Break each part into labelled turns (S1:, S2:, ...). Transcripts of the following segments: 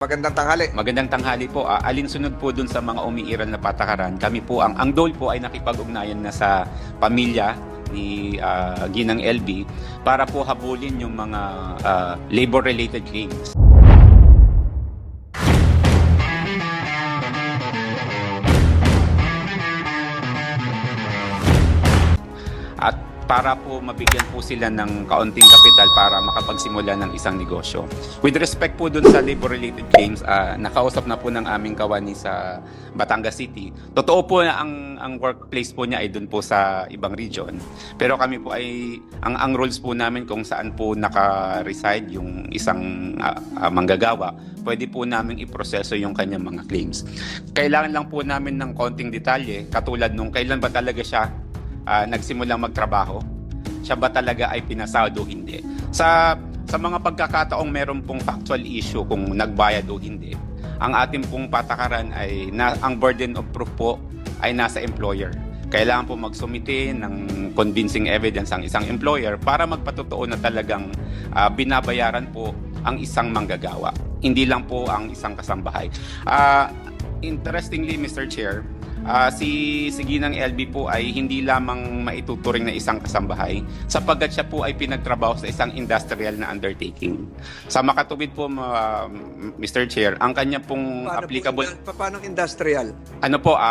S1: Magandang tanghali.
S2: Magandang tanghali po. Alinsunod po dun sa mga umiiral na patakaran. Kami po, ang DOL po ay nakipag-ugnayan na sa pamilya ni Ginang LB para po habulin yung mga labor-related claims. At para po mabigyan po sila ng kaunting kapital para makapagsimula ng isang negosyo. With respect po dun sa labor-related claims, nakausap na po ng aming kawani sa Batangas City. Totoo po na ang workplace po niya ay dun po sa ibang region. Pero kami po ay, ang rules po namin kung saan po naka-reside yung isang manggagawa, pwede po namin iproseso yung kanyang mga claims. Kailangan lang po namin ng konting detalye, katulad nung kailan ba talaga siya nagsimulang magtrabaho, siya ba talaga ay pinasahod o hindi. Sa mga pagkakataong meron pong factual issue kung nagbayad o hindi, ang ating pong patakaran ay ang burden of proof po ay nasa employer. Kailangan po magsumite ng convincing evidence ang isang employer para magpatotoo na talagang binabayaran po ang isang manggagawa, hindi lang po ang isang kasambahay. Interestingly, Mr. Chair, si Ginang LB po ay hindi lamang maituturing na isang kasambahay sapagkat siya po ay pinagtrabaho sa isang industrial na undertaking. Sa makatubid po, Mr. Chair, ang kanya pong applicable...
S1: Paano industrial?
S2: Ano po,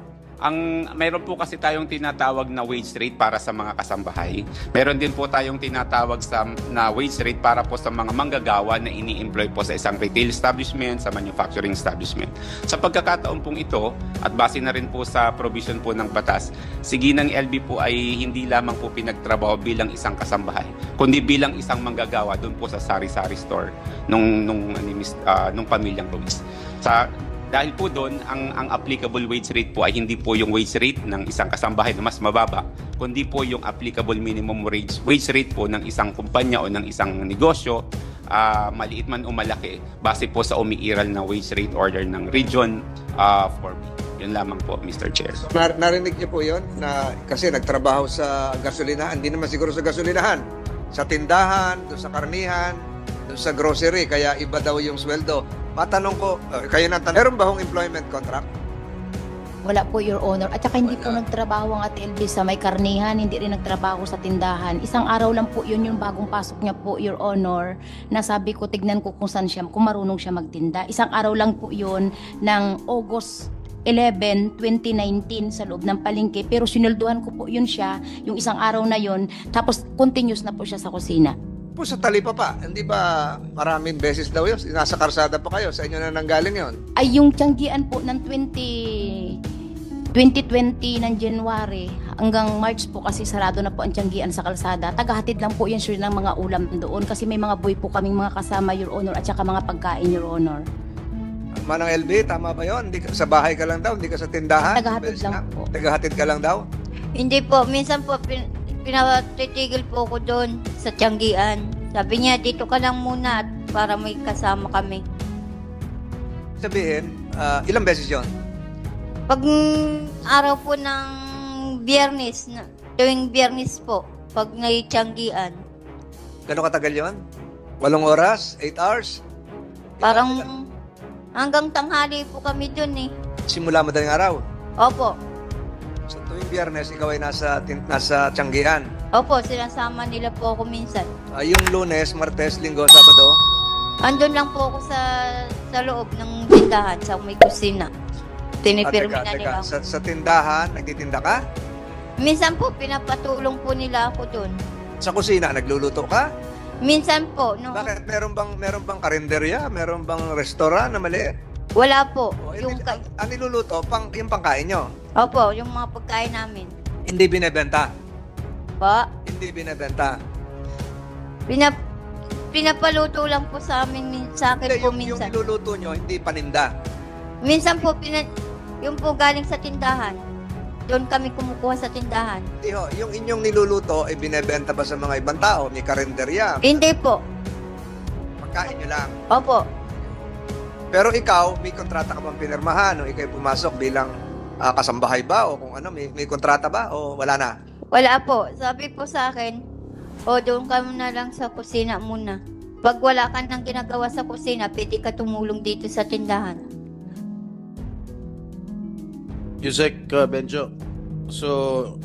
S2: mayroon po kasi tayong tinatawag na wage rate para sa mga kasambahay. Meron din po tayong tinatawag na wage rate para po sa mga manggagawa na ini-employ po sa isang retail establishment, sa manufacturing establishment. Sa pagkakataon pong ito, at base na rin po sa provision po ng batas, si Ginang LB po ay hindi lamang po pinagtrabaho bilang isang kasambahay, kundi bilang isang manggagawa doon po sa sari-sari store nung pamilyang Ruiz. Dahil po doon, ang applicable wage rate po ay hindi po yung wage rate ng isang kasambahay na mas mababa, kundi po yung applicable minimum wage rate po ng isang kumpanya o ng isang negosyo, maliit man o malaki, base po sa umiiral na wage rate order ng Region 4B. Yun lamang po, Mr. Chair.
S1: So, narinig niyo po yun na kasi nagtrabaho sa gasolinahan, hindi naman siguro sa gasolinahan, sa tindahan, doon sa karnihan, doon sa grocery, kaya iba daw yung sweldo. Matanong ko, kayo na tanong, meron ba hong employment contract?
S3: Wala po, Your Honor. At saka hindi po nagtrabaho ang Ate LB sa may karnihan, hindi rin nagtrabaho sa tindahan. Isang araw lang po yun yung bagong pasok niya po, Your Honor, na sabi ko, tignan ko kung saan siya, kung marunong siya magtinda. Isang araw lang po yun ng August 11, 2019 sa loob ng palengke. Pero sinulduhan ko po yun siya, yung isang araw na yun, tapos continuous na po siya sa kusina.
S1: Po sa Talipa pa, hindi ba maraming beses daw yun? Nasa karsada pa kayo, sa inyo na nanggaling yun?
S3: Ay yung tiyanggian po ng 2020 ng January hanggang March po kasi sarado na po ang tiyanggian sa kalsada. Tagahatid lang po yan sure ng mga ulam doon kasi may mga boy po kaming mga kasama, Your Honor, at saka mga pagkain, Your Honor.
S1: Manang LB, tama ba yun? Sa bahay ka lang daw, hindi ka sa tindahan?
S3: Tagahatid lang po.
S1: Tagahatid ka lang daw?
S4: Hindi po, minsan po pinatitigil po ko doon sa tiyanggian. Sabi niya, dito ka lang muna at para may kasama kami.
S1: Sabihin, ilang beses yon?
S4: Pag araw po ng Biyernes, tuwing Biyernes po, pag may tiyanggian,
S1: Gano'ng katagal yon? 8 oras? 8 hours?
S4: parang hanggang tanghali po kami doon eh.
S1: Simula madaling araw.
S4: Opo,
S1: So tuwing Biyernes, ikaw ay nasa tiyanggian.
S4: opo, sinasama nila po ako minsan.
S1: Yung Lunes, Martes, Linggo, Sabado,
S4: Andun lang po ako sa loob ng tindahan, sa may kusina. Tinipirmi na nila ako.
S1: Sa tindahan, nagtitinda ka?
S4: Minsan po, pinapatulong po nila ako doon.
S1: Sa kusina, nagluluto ka?
S4: Minsan po, no?
S1: Bakit? Meron bang karinderya? Meron bang restaurant na maliit?
S4: Wala po.
S1: Yung, ang niluluto, yung pangkain nyo?
S4: Opo, yung mga pagkain namin.
S1: Hindi binebenta.
S4: Pa,
S1: Hindi binebenta.
S4: pinapaluto lang po sa amin, sa akin
S1: Hindi,
S4: po
S1: yung
S4: minsan.
S1: niluluto nyo, hindi paninda.
S4: Minsan po, yung po galing sa tindahan. Doon kami kumukuha sa tindahan.
S1: Hindi ho, yung inyong niluluto, ay binebenta ba sa mga ibang tao? May karinderya?
S4: Hindi po.
S1: Pagkain nyo lang.
S4: Opo.
S1: Pero ikaw, may kontrata ka bang pinirmahan? O ikaw pumasok bilang kasambahay ba? O kung ano, may kontrata ba? O wala na?
S4: Wala po. Sabi po sa akin, o doon ka muna lang sa kusina muna. Kapag wala ka nang ginagawa sa kusina, pwede ka tumulong dito sa tindahan.
S5: Yusek Benjo, so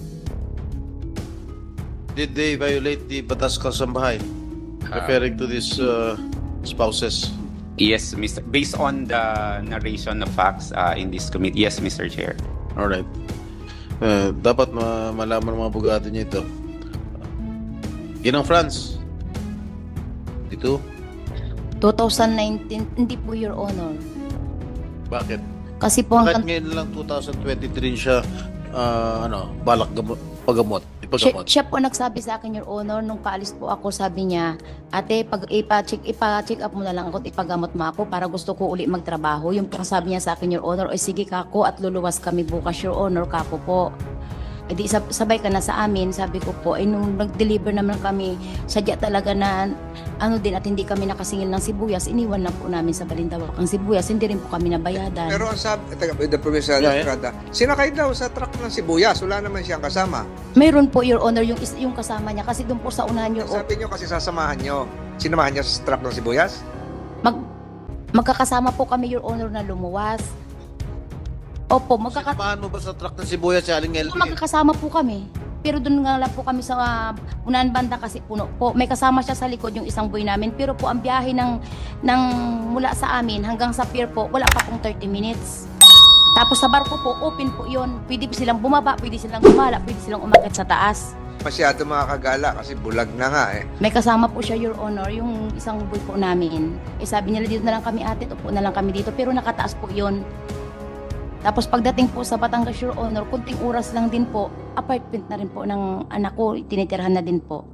S5: did they violate the Batas Kasambahay referring to these spouses?
S2: Yes, Mr. Based on the narration of facts in this committee, yes, Mr. Chair.
S5: Alright. Dapat malaman ng mga abogado niya ito. Ginang France. Dito?
S3: 2019, hindi po, Your Honor.
S5: Bakit?
S3: Kasi po
S5: Bakit
S3: hanggang
S5: ngayon lang 2023 siya balak pagamot?
S3: siya,
S5: Ipagamot?
S3: siya po nagsabi sa akin, Your Honor, nung paalis po ako, sabi niya, ate, pag ipa-check up mo na lang ako at ipagamot mo ako para gusto ko uli magtrabaho. Yung po sabi niya sa akin, Your Honor, ay sige kako at luluwas kami bukas, Your Honor, kako po. E di sabay ka na sa amin, sabi ko po, ay nung nag-deliver naman kami, sadya talaga na ano din at hindi kami nakasingil ng sibuyas, iniwan lang po namin sa Balintawak ang sibuyas, hindi rin po kami nabayadan.
S1: Pero ang sabi, the Provincial
S5: Yeah, yeah.
S1: Estrada, sinakay daw sa truck ng sibuyas, wala naman siyang kasama.
S3: Mayroon po, Your Honor, yung kasama niya, kasi doon po sa unahan, Your Honor,
S1: Sabi niyo kasi sasamahan niyo. Sinamahan niya sa truck ng sibuyas?
S3: magkakasama po kami, Your Honor, na lumuwas. Opo,
S5: Sinamahan mo ba sa truck ng sibuyas si Aling LP?
S3: magkakasama po kami. Pero doon nga lang po kami sa unahan banda kasi puno po. May kasama siya sa likod yung isang boy namin. Pero po ang biyahe ng mula sa amin hanggang sa pier po, wala pa pong 30 minutes. Tapos sa barko po, open po yun. Pwede po silang bumaba, pwede silang gumala, pwede silang umakyat sa taas.
S1: Masyado makakagala kasi bulag na nga eh.
S3: May kasama po siya, Your Honor, yung isang boy po namin. Eh sabi nila, dito na lang kami ate, upo na lang kami dito. Pero nakataas po yun. Tapos pagdating po sa Batangas, Your Honor, kunting oras lang din po, apartment na rin po ng anak ko, tinitirhan na din po.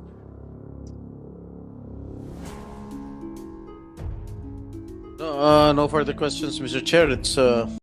S5: No further questions, Mr. Chair. It's